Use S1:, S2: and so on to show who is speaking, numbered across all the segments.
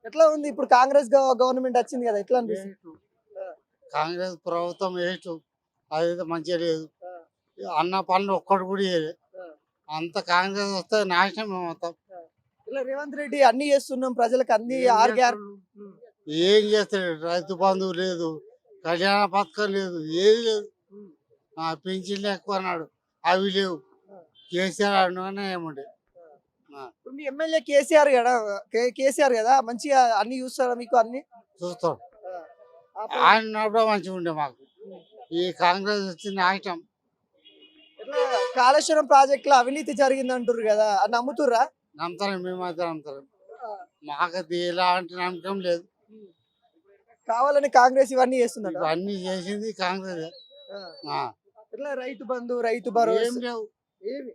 S1: ఎట్లా ఉంది ఇప్పుడు కాంగ్రెస్ గవర్నమెంట్ వచ్చింది కదా, ఎట్లా అనిపిస్తుంది?
S2: ఏటు కాంగ్రెస్ ప్రభుత్వం ఏటు అదైతే మంచిగా లేదు.
S1: ఆ,
S2: అన్న పనులు ఒక్కటి కూడా చేయలేదు.
S1: ఆ,
S2: అంత కాంగ్రెస్ వస్తే నాశనం మొత్తం.
S1: ఆ. ఇలా రేవంత్ రెడ్డి అన్ని చేస్తున్నాం ప్రజలకు, అన్ని
S2: ఏం
S1: ఆర్ గ్యార్
S2: చేస్తాడు? ఏం చేస్తాడు? రైతు బంధువు లేదు, కళ్యాణ పథకం లేదు, ఏది లేదు. పింఛన్లు ఎక్కువ అన్నాడు, అవి లేవు. కేసీఆర్ అన్నగానే ఏముండే.
S1: ఇప్పుడు మీ ఎమ్మెల్యే కేసీఆర్ కదా, కేసీఆర్ కదా, మంచిగా అన్ని చూస్తారా మీకు అన్ని?
S2: చూస్తాం.
S1: ఆ,
S2: ఆయన ఉన్నప్పుడు మంచిగా ఉండే మాకు. ఈ కాంగ్రెస్ వచ్చిన నాశనం.
S1: ఎట్లా కాళేశ్వరం ప్రాజెక్ట్ లో అవినీతి జరిగింది అంటారు కదా, అది నమ్ముతుర్రా?
S2: నమ్ముతారు, మేమైతే నమ్ముతారు. మాకు ఎలాంటి నమ్మకం లేదు.
S1: కావాలని కాంగ్రెస్ ఇవన్నీ చేస్తుందంట.
S2: ఇవన్నీ చేసింది కాంగ్రెస్.
S1: ఎట్లా రైతు బంధు, రైతు
S2: ఏం
S1: భరోసా
S2: లేవు,
S1: ఏమి?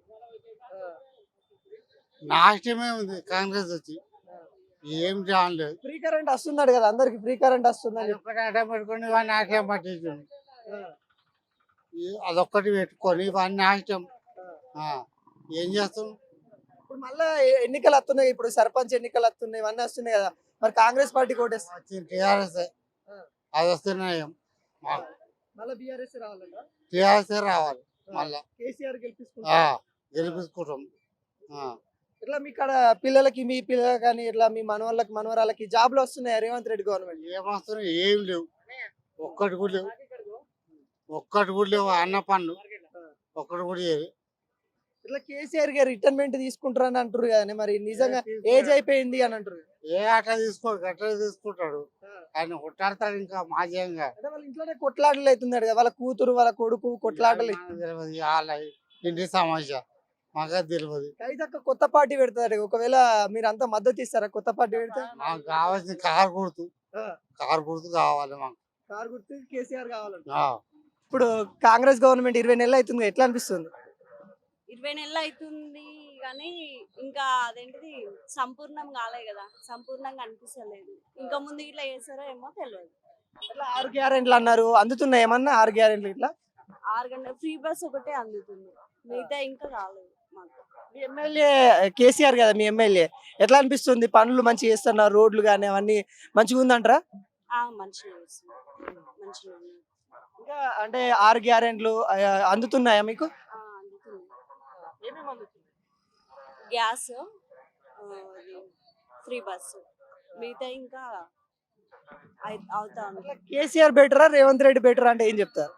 S2: నాశనమే ఉంది కాంగ్రెస్ వచ్చి. ఏం చేయలేదు.
S1: ఫ్రీ కరెంట్ వస్తున్నాడు కదా, అందరికి ఫ్రీ కరెంట్ వస్తుందని.
S2: ఒక్కటి అడ్డం పెట్టుకొని ఇవన్నీ నాశనం పట్టించండి. అదొక్కటి పెట్టుకొని ఇవన్నీ నాశనం. ఏం చేస్తాం?
S1: ఇప్పుడు మళ్ళా ఎన్నికలు వస్తున్నాయి, ఇప్పుడు సర్పంచ్ ఎన్నికలు వస్తున్నాయి, ఇవన్నీ వస్తున్నాయి కదా, మరి కాంగ్రెస్ పార్టీ కోటేస్తుంది.
S2: వచ్చింది టీఆర్ఎస్. అది వస్తున్నాయి.
S1: మళ్ళీ బీఆర్ఎస్ రావాలంట.
S2: టీఆర్ఎస్ రావాలి మళ్ళా.
S1: కేసీఆర్ గెలిపించుకుంటారు.
S2: గెలిపించుకుంటాం.
S1: ఇట్లా మీ కాడ పిల్లలకి, మీ పిల్లలకి కానీ ఇట్లా మీ మనవాళ్ళకి మనవరాలకి జాబ్లు వస్తున్నాయి రేవంత్ రెడ్డి గవర్నమెంట్?
S2: ఏమొస్తున్నాయి? ఏం లేవు, ఒక్కటి కూడా లేవు. ఒక్కటి కూడా లేవు. అన్న పనులు ఒక్కటి కూడా లేదు.
S1: ఇట్లా కేసీఆర్ గారు రిటైర్మెంట్ తీసుకుంటారని అంటారు కదా, మరి నిజంగా ఏజ్ అయిపోయింది అని అంటారు.
S2: ఏ ఆట తీసుకోడు, గట్ల తీసుకుంటాడు. ఆయన కొట్టాడతాడు ఇంకా మాజీయంగా.
S1: అంటే వాళ్ళ ఇంట్లోనే కొట్లాటలు అవుతున్నాడు కదా, వాళ్ళ కూతురు వాళ్ళ కొడుకు కొట్లాటలు.
S2: తెలియదు వాళ్ళ ఇంటి సమస్య, మాకు తెలియదు.
S1: కైతక్క కొత్త పార్టీ పెడతారు, ఒకవేళ మీరు అంతా మద్దతు ఇస్తారా కొత్త పార్టీ పెడితే?
S2: మాకు కావాల్సిన కారు గుర్తు. కారు గుర్తు కావాలి మాకు.
S1: కారు గుర్తు కేసీఆర్ కావాలంట.
S2: ఆ.
S1: ఇప్పుడు కాంగ్రెస్ గవర్నమెంట్ 20 నెలలు అవుతుంది, ఎట్లా అనిపిస్తుంది?
S3: 20 నెలలు అవుతుంది కానీ ఇంకా అదేంటిది సంపూర్ణం కాలే కదా, సంపూర్ణంగా అనిపిస్తలేదు. ఇంకా ముందు ఇట్లా చేస్తారో ఏమో తెలియదు.
S1: ఇట్లా 6 గ్యారెంట్లు అన్నారు, అందుతున్నాయి ఏమన్నా 6 గ్యారెంట్లు? ఇట్లా
S3: 6 గంటల ఫ్రీ బస్ ఒకటే అందుతుంది, మిగతా ఇంకా రాలేదు మాకు.
S1: మీ ఎమ్మెల్యే కేసీఆర్ కదా, మీ ఎమ్మెల్యే ఎట్లా అనిపిస్తుంది? పనులు మంచిగా చేస్తున్నారు, రోడ్లు కానీ అవన్నీ మంచిగా ఉందంటారా?
S3: మంచిగా చేస్తుంది, మంచిగా ఉంది.
S1: ఇంకా అంటే 6 గ్యారెంట్లు అందుతున్నాయా మీకు?
S3: అందుతుంది.
S1: ఏమేమి అందుతుంది?
S3: గ్యాస్, ఫ్రీ బస్సు, మిగతా ఇంకా అవుతా ఉంది.
S1: కేసీఆర్ బెటరా రేవంత్ రెడ్డి బెటరా అంటే ఏం చెప్తారు?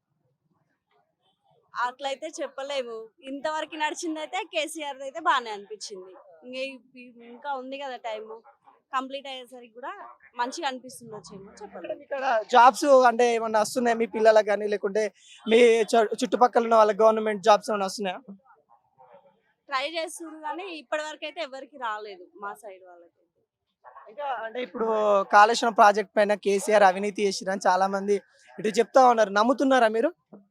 S3: అట్లయితే చెప్పలేము. ఇంతవరకు నడిచింది అయితే కేసీఆర్ అయితే బాగానే అనిపించింది. ఇంకా ఉంది కదా టైం, కంప్లీట్ అయ్యేసరికి కూడా మంచిగా అనిపిస్తుంది వచ్చేమో చెప్పలేదు.
S1: ఇక్కడ జాబ్స్ అంటే ఏమన్నా వస్తున్నాయి మీ పిల్లలకు కానీ, లేకుంటే మీ చుట్టుపక్కల ఉన్న వాళ్ళకి గవర్నమెంట్ జాబ్స్ ఏమైనా వస్తున్నాయా?
S3: ట్రై చేస్తున్నారు కానీ ఇప్పటి వరకు అయితే ఎవరికి రాలేదు మా సైడ్ వాళ్ళకి.
S1: ఇంకా అంటే ఇప్పుడు కాళేశ్వరం ప్రాజెక్ట్ పైన కేసీఆర్ అవినీతి చేసిరని చాలా మంది ఇటు చెప్తా ఉన్నారు, నమ్ముతున్నారా మీరు?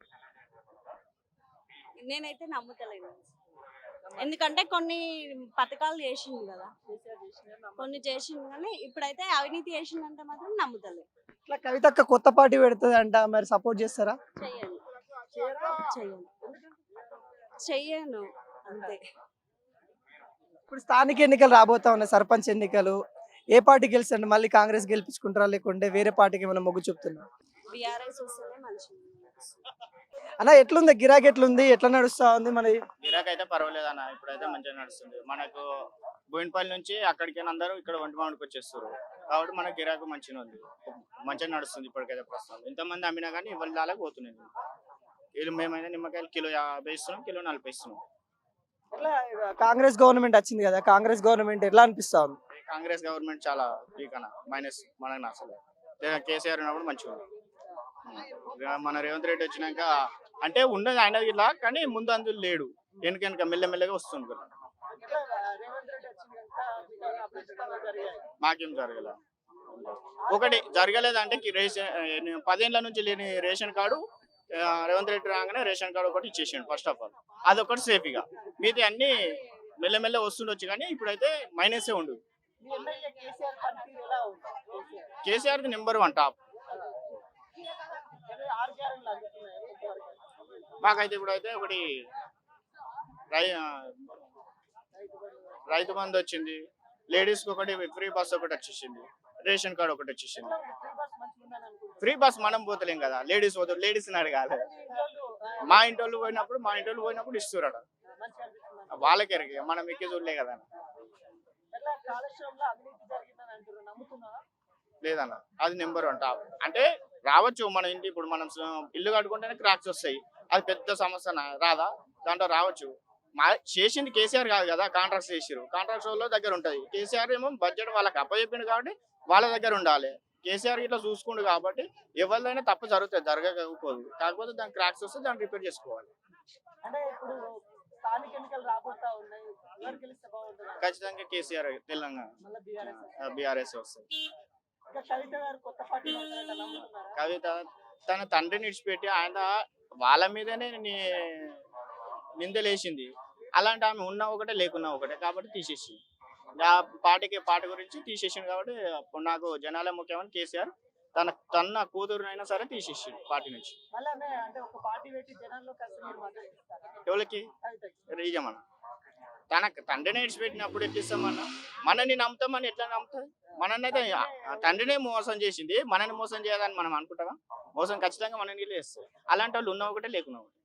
S3: నేనైతే నమ్ముతలేను, ఎందుకంటే కొన్ని పథకాలు చేసిండు కదా, కొన్ని చేసిండు కానీ ఇప్పుడైతే అవినీతి చేసిందంటే మాత్రం నమ్ముతలేదు.
S1: ఇట్లా కవితక్క కొత్త పార్టీ పెడుతుంది అంట, మరి సపోర్ట్ చేస్తారా?
S3: చెయ్యను, చెయ్యను, చెయ్యను అంతే.
S1: ఇప్పుడు స్థానిక ఎన్నికలు రాబోతా ఉన్నాయి, సర్పంచ్ ఎన్నికలు, ఏ పార్టీ గెలుస్తుంది? మళ్ళీ కాంగ్రెస్ గెలిపించుకుంటారా, లేకుంటే వేరే పార్టీకి ఏమైనా మొగ్గు చూపుతున్నా?
S3: బీఆర్ఎస్ వస్తేనే మంచిగా.
S1: అన్న ఎట్లుంది గిరాకీ, ఎట్లుంది, ఎట్లా నడుస్తా ఉంది మన?
S4: గిరాకీ అయితే పర్వాలేదు అన్న, ఇప్పుడైతే మంచిగా నడుస్తుంది. మనకు బోయినపల్లి నుంచి అక్కడికి అందరూ ఇక్కడ ఒంటిమామిడికి వచ్చేస్తారు కాబట్టి మనకు గిరాకీ మంచిగా ఉంది, మంచిగా నడుస్తుంది ఇప్పటికైతే ప్రస్తుతం. ఇంతమంది అమ్మినా కానీ ఇవాళ దాకా పోతున్నాయి. వీళ్ళు మేమైనా నిమ్మకాయలు కిలో 50 ఇస్తున్నాం, కిలో 40 ఇస్తున్నాం.
S1: ఇట్లా కాంగ్రెస్ గవర్నమెంట్ వచ్చింది కదా, కాంగ్రెస్ గవర్నమెంట్ ఎట్లా అనిపిస్తా ఉంది?
S4: కాంగ్రెస్ గవర్నమెంట్ చాలా వీక్ అన్న, మైనస్. మనకు నచ్చలేదు. కేసీఆర్ ఉన్నప్పుడు మంచిగా ఉంది. మన రేవంత్ రెడ్డి వచ్చినాక అంటే ఉండదు ఆయన ఇలా, కానీ ముందు అందులో లేడు, వెనక మెల్లమెల్లగా వస్తుంది కదా. మాకేం జరగల. ఒకటి జరగలేదు అంటే 10 ఏళ్ల నుంచి లేని రేషన్ కార్డు రేవంత్ రెడ్డి రాగానే రేషన్ కార్డు ఒకటి ఇచ్చేసాడు. ఫస్ట్ ఆఫ్ ఆల్ అదొకటి సేఫ్గా, మిగతా అన్ని మెల్లమెల్ల వస్తుండొచ్చు కానీ ఇప్పుడైతే మైనసే ఉండు. KCR number 1 top. మాకైతే ఇప్పుడైతే ఒకటి రైతు బంధు వచ్చింది, లేడీస్కి ఒకటి ఫ్రీ బస్ ఒకటి వచ్చేసింది, రేషన్ కార్డు ఒకటి వచ్చేసింది. ఫ్రీ బస్ మనం పోతలేం కదా, లేడీస్ పోతారు, లేడీస్ని అడగాలి. మా ఇంటి వాళ్ళు పోయినప్పుడు ఇస్తున్నారు, వాళ్ళకి ఎరిగి మనం ఎక్కి చూడలే కదా. లేదన్న, అది నెంబర్ 1 టాప్. అంటే రావచ్చు మన ఇంటి, ఇప్పుడు మనం ఇల్లు కట్టుకుంటేనే క్రాక్స్ వస్తాయి, అది పెద్ద సమస్య రాదా? దాంట్లో రావచ్చు. చేసింది కేసీఆర్ కాదు కదా, కాంట్రాక్ట్స్ చేసిరు, కాంట్రాక్ట్స్ వాళ్ళ దగ్గర ఉంటుంది. కేసీఆర్ ఏమో బడ్జెట్ వాళ్ళకి అప్పచెప్పిండు కాబట్టి వాళ్ళ దగ్గర ఉండాలి. కేసీఆర్ ఇట్లా చూసుకుండు కాబట్టి ఎవరిదైనా తప్పు జరుగుతుంది, జరగకపోదు. కాకపోతే దానికి క్రాక్స్ వస్తే దాన్ని రిపేర్ చేసుకోవాలి. ఖచ్చితంగా కేసీఆర్ తెలంగాణ బీఆర్ఎస్ వస్తుంది. కవిత తన తండ్రిని విడిచిపెట్టి ఆయన వాళ్ళ మీదనే నిందలేసింది. అలాంటి ఆమె ఉన్నా ఒకటే లేకున్నా ఒకటే కాబట్టి తీసేసి ఆ పార్టీ గురించి తీసేసింది. కాబట్టి అప్పుడు నాకు జనాలే ముఖ్యమని కేసీఆర్ తన కూతురునైనా సరే తీసేసి పార్టీ నుంచి. ఎవరికి రీజమన్న తన తండ్రిని విడిచిపెట్టినప్పుడు ఎట్లిస్తామన్నా? మనని నమ్ముతామని ఎట్లా నమ్ముతుంది? మనని అయితే తండ్రినే మోసం చేసింది, మనని మోసం చేయాలని మనం అనుకుంటామా? మోసం ఖచ్చితంగా మనని చేస్తుంది. అలాంటి వాళ్ళు ఉన్న ఒకటే లేకున్నా ఒకటే.